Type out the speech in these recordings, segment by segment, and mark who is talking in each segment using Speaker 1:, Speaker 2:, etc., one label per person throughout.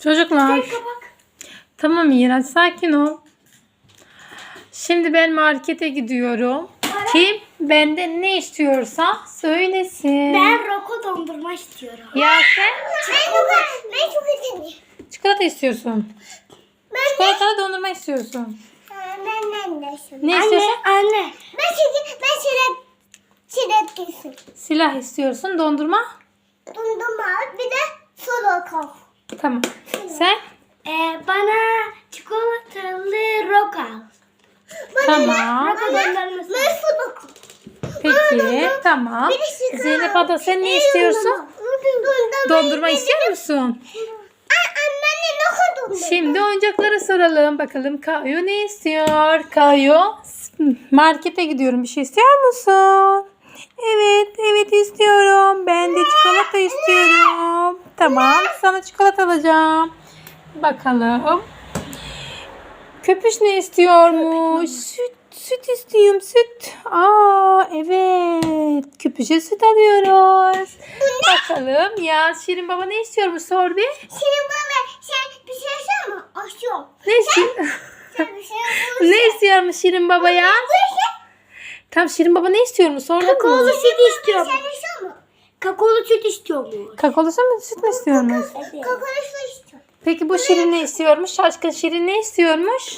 Speaker 1: Çocuklar. Tamam Miraç, sakin ol. Şimdi ben markete gidiyorum. Kim benden ne istiyorsa söylesin.
Speaker 2: Ben Roko dondurma istiyorum.
Speaker 1: Ya sen
Speaker 2: Ben çok istiyorum.
Speaker 1: çikolata istiyorsun. Çikolatalı dondurma istiyorsun.
Speaker 2: Ben de istiyorum.
Speaker 1: Ne istiyorsun?
Speaker 2: Anne. Ben çilek istiyorum.
Speaker 1: Silah istiyorsun. Dondurma.
Speaker 2: Dondurma bir de soda kal.
Speaker 1: Tamam. Sen?
Speaker 2: Bana çikolatalı roka.
Speaker 1: Tamam.
Speaker 2: Roka dondurması. Ben soda kal.
Speaker 1: Peki. Tamam. Zeynep abla sen ne istiyorsun? Dondurma istiyor musun? Şimdi oyuncaklara soralım. Bakalım Kayo ne istiyor? Kayo, markete gidiyorum. Bir şey istiyor musun? Evet istiyorum. Ben de çikolata istiyorum. Tamam, sana çikolata alacağım. Bakalım. Köpüş ne istiyormuş? Süt istiyorum, süt. Evet. Köpüşe süt alıyoruz. Bakalım ya Şirin baba ne istiyormuş, sor bir.
Speaker 2: Şirin baba sen bir şey söyle mi? Aşıyor.
Speaker 1: Ne istiyor?
Speaker 2: Sen bir şey
Speaker 1: Ne istiyormuş Şirin baba ya? Tam Şirin baba ne istiyormuş, sordun mu?
Speaker 2: Kakaolu süt istiyor. Sen istiyor mu? Kakaolu süt istiyor mu?
Speaker 1: Kakaolu süt mü istiyormuş?
Speaker 2: Kakaolu süt istiyor.
Speaker 1: Peki bu Şirin ne istiyormuş? Şaşkın Şirin ne istiyormuş?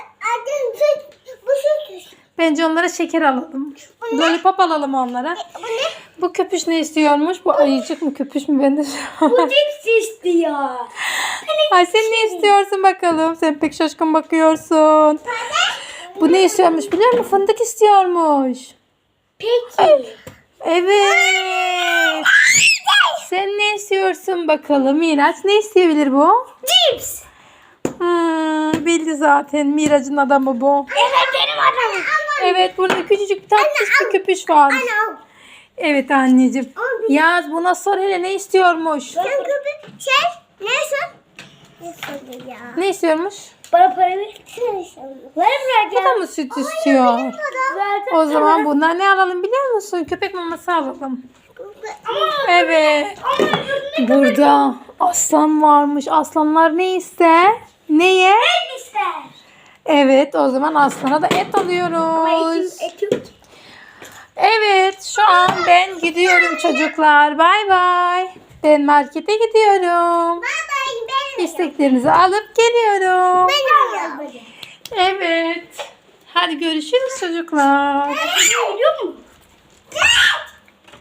Speaker 2: Bu süt istiyor.
Speaker 1: Bence onlara şeker alalım. Lollipop alalım onlara. Bu köpüş ne istiyormuş? Bu ayıcık mı köpüş mü? Ben de
Speaker 2: Bu cips istiyor.
Speaker 1: Ay sen ne istiyorsun bakalım? Sen pek şaşkın bakıyorsun. Bu ne istiyormuş biliyor musun? Fındık istiyormuş.
Speaker 2: Peki.
Speaker 1: Evet. Sen ne istiyorsun bakalım Miraç? Ne isteyebilir bu?
Speaker 2: Cips.
Speaker 1: Bildi zaten. Miraç'ın adamı bu.
Speaker 2: Evet benim adamım.
Speaker 1: Evet, burada küçücük tatlış bir köpüş var. Evet anneciğim. Yaz buna sor hele ne istiyormuş?
Speaker 2: Sen köpek neyse. Ne ya?
Speaker 1: Ne istiyormuş?
Speaker 2: Bana para versene.
Speaker 1: Bu da mı süt istiyor?
Speaker 2: Zaten
Speaker 1: O zaman bundan ne alalım biliyor musun? Köpek maması alalım. Evet. Burada aslan varmış. Aslanlar ne ister? Neye?
Speaker 2: et ister.
Speaker 1: Evet, o zaman aslana da et alıyoruz.
Speaker 2: Et yok.
Speaker 1: Evet, şu an ben gidiyorum çocuklar. Bay bay. Ben markete gidiyorum. İsteklerinizi alıp geliyorum. Evet. Hadi görüşürüz çocuklar.
Speaker 2: Biliyor musun?